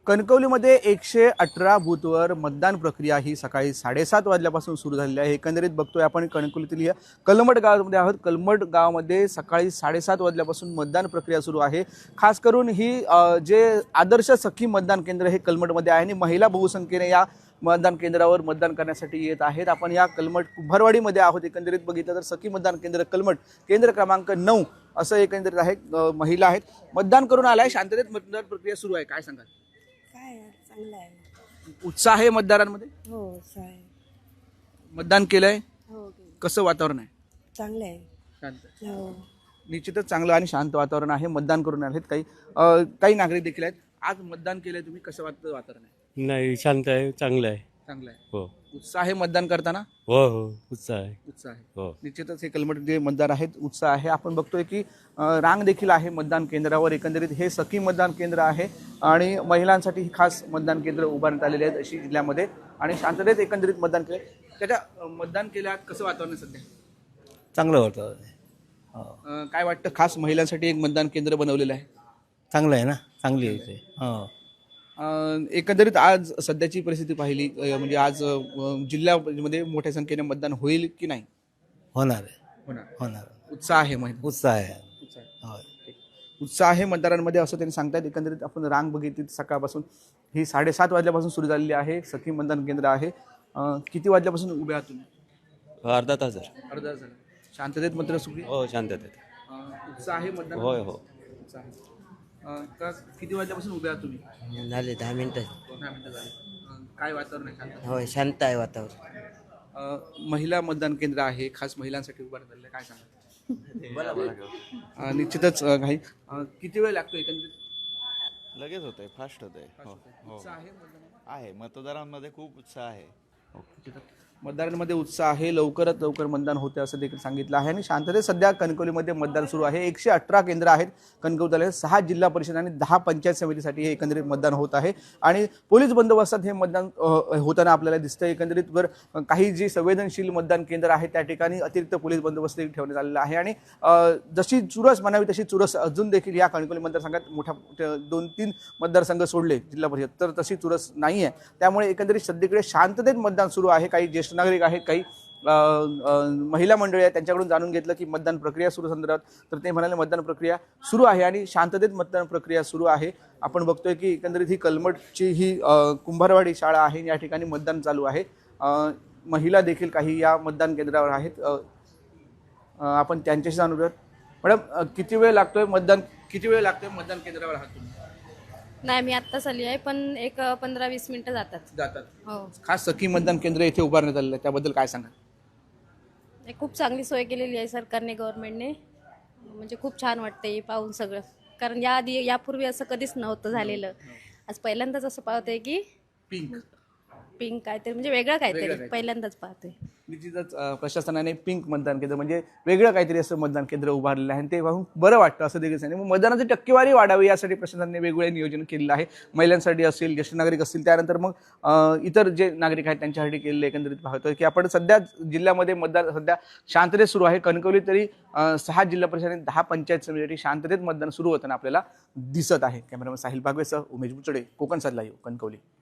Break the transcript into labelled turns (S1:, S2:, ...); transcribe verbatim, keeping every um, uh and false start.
S1: कणकवलीमध्ये एकशे अठरा बूथवर मतदान प्रक्रिया ही सकाळी साडेसात वाजल्यापासून सुरू झालेली आहे। एकंदरीत बघतोय आपण कणकवलीतील या कलमट गावामध्ये आहोत। कलमट गावामध्ये सकाळी साडेसात वाजल्यापासून मतदान प्रक्रिया सुरू आहे। खास करून ही जे आदर्श सखी मतदान केंद्र हे कलमटमध्ये आहे आणि महिला बहुसंख्येने या मतदान केंद्रावर मतदान करण्यासाठी येत आहेत। आपण या कलमट कुंभारवाडीमध्ये आहोत। एकंदरीत बघितलं तर सखी मतदान केंद्र कलमट केंद्र क्रमांक नऊ असं एकंदरीत आहे। महिला आहेत, मतदान करून आलाय, शांततेत मतदान प्रक्रिया सुरू आहे। काय सांगाल?
S2: काय चांगलं आहे,
S1: उत्साह आहे मतदारांमध्ये?
S2: हो उत्साह आहे,
S1: मतदान केलंय,
S2: हो
S1: कसं वातावरण आहे?
S2: चांगलं आहे,
S1: शांत,
S2: हो
S1: निश्चितच चांगलं आणि शांत वातावरण आहे। मतदान करून आहेत काही अ, काही नागरिक देखील आहेत। आज मतदान केलंय तुम्ही, कसं वाटतं वातावरण आहे?
S3: नाही, शांत आहे, चांगलं आहे.
S1: चांगलं आहे।
S3: हो
S1: उत्साह आहे मतदान करताना?
S3: हो हो उत्साह आहे.
S1: उत्साह आहे,
S3: हो
S1: निश्चितच हे कलमट जे मतदार आहेत उत्साह आहे। आपण बघतोय की अ, रांग देखील आहे मतदान केंद्रावर। एकंदरीत हे सखी मतदान केंद्र आहे आणि महिलांसाठी ही खास मतदान केंद्र उभारण्यात आलेले आहेत अशी जिल्ह्यामध्ये आणि शांततेत एकंदरीत मतदान केले। त्याच्या अ, मतदान केल्यात कसं वातावरण आहे सध्या?
S4: चांगलं वाटतं. हो
S1: अ, काय वाटतं, खास महिलांसाठी एक मतदान केंद्र बनवलेलं आहे?
S4: चांगलं आहे ना, चांगली आहे ते. हो
S1: अ, एकंदरीत आज सध्याची परिस्थिती पाहिली अ, म्हणजे आज अ, जिल्ह्यामध्ये मोठ्या संख्येने मतदान होईल की नाही?
S4: होणार आहे,
S1: होणार,
S4: होणार.
S1: उत्साह आहे महिला,
S4: उत्साह आहे.
S1: उत्साह आहे.
S4: हो
S1: उत्साह आहे मतदारांमध्ये असं त्यांनी सांगतात। एकंदरीत आपण रांग बघितली सकाळपासून ही साडेसात वाजल्यापासून सुरू झालेली आहे। सखी मतदान केंद्र आहे। अ, किती वाजल्यापासून उभे आहात तुम्ही?
S5: अर्धा तास झाला.
S1: अर्धा तास झाला। शांततेत मात्र सुरू आहे?
S5: हो शांततेत.
S1: अ, उत्साह आहे मतदान?
S5: होय हो
S1: उत्साह आहे। अ, का किती वाजल्यापासून उभे आहात तुम्ही?
S6: झाले दहा मिनिटं.
S1: दहा मिनिटं झाली। अ, काय वातावरण आहे? शांत?
S6: होय शांत आहे वातावरण.
S1: अ, महिला मतदान केंद्र आहे, खास महिलांसाठी उभारण्यात आलेलं आहे। काय सांगा? अ, निश्चितच अ, काही अ, किती वेळ लागतो एकंदरीत?
S7: लगेच होतंय, फास्ट होतंय. हो हो
S1: उत्साह आहे मतदानात?
S7: आहे, मतदारांमध्ये खूप उत्साह आहे.
S1: मतदारांमध्ये उत्साह आहे, लवकरात लवकर मतदान होते असं देखील सांगितलं आहे। आणि शांततेत सध्या कणकवलीमध्ये मतदान सुरू आहे। एकशे अठरा केंद्र आहेत कणकवली तालुक्यात, सहा जिल्हा परिषद आणि दहा पंचायत समितीसाठी हे एकंदरीत मतदान होत आहे आणि पोलीस बंदोबस्तात हे मतदान अ, होताना आपल्याला दिसतं। एकंदरीत वर काही जी संवेदनशील मतदान केंद्र आहे त्या ठिकाणी अतिरिक्त पोलीस बंदोबस्त देखील ठेवण्यात आलेला आहे आणि अ, जशी चुरस म्हणावी तशी चुरस अजून देखील या कणकवली मतदारसंघात मोठ्या दोन तीन मतदारसंघ सोडले जिल्हा परिषद तर तशी चुरस नाही आहे। त्यामुळे एकंदरीत सध्याकडे शांततेत मतदान सुरू आहे। काही ज्येष्ठ नागरिक आहेत, काही अ, अ, महिला मंडळी आहेत, त्यांच्याकडून जाणून घेतलं की मतदान प्रक्रिया सुरू संदर्भात, तर ते म्हणाले मतदान प्रक्रिया सुरू आहे आणि शांततेत मतदान प्रक्रिया सुरू आहे। आपण बघतोय की एकंदरीत ही कलमटची ही अ, कुंभारवाडी शाळा आहे, या ठिकाणी मतदान चालू आहे। अ, महिला देखील काही या मतदान केंद्रावर आहेत। अ, अ, आपण त्यांच्याशी जाणून घेऊयात। मॅडम, अ, किती वेळ लागतोय मतदान किती वेळ लागतोय मतदान केंद्रावर आहात तुम्ही?
S8: नाही, मी आत्ताच आली आहे, पण एक पंधरा वीस मिनिटं जातात.
S1: जातात।
S8: हो,
S1: खास सखी मतदान केंद्र इथे उभारण्यात आलेलं आहे, त्याबद्दल काय सांगा?
S8: एक खूप चांगली सोय केलेली आहे सरकारने, गव्हर्नमेंटने. म्हणजे खूप छान वाटते हे पाहून सगळं, कारण याआधी यापूर्वी असं कधीच नव्हतं झालेलं. आज पहिल्यांदाच असं पाहतोय की
S1: पिंक
S8: पिंक काहीतरी, म्हणजे वेगळं काहीतरी
S1: काहीतरी.
S8: पहिल्यांदाच पाहतोय.
S1: निश्चितच अ, प्रशासनाने पिंक मतदान केंद्र म्हणजे वेगळं काहीतरी असं मतदान केंद्र उभारलेलं आहे आणि ते पाहून बरं वाटतं असं देखील सांगितलं। मग मतदानाची टक्केवारी वाढावी यासाठी प्रशासनाने वेगवेगळे नियोजन केलेलं आहे। महिलांसाठी असेल, ज्येष्ठ नागरिक असतील, त्यानंतर मग अ, इतर जे नागरिक आहेत त्यांच्यासाठी केलेलं एकंदरीत पाहतोय की आपण सध्या जिल्ह्यामध्ये मतदान सध्या शांततेत सुरू आहे। कणकवली तरी अ, सहा जिल्हा परिषद आणि दहा पंचायत समितीसाठी शांततेत मतदान सुरू होताना आपल्याला दिसत आहे। कॅमेरामॅन साहिल बागवेसह उमेश बुचडे, कोकण सात लाईव्ह, कणकवली।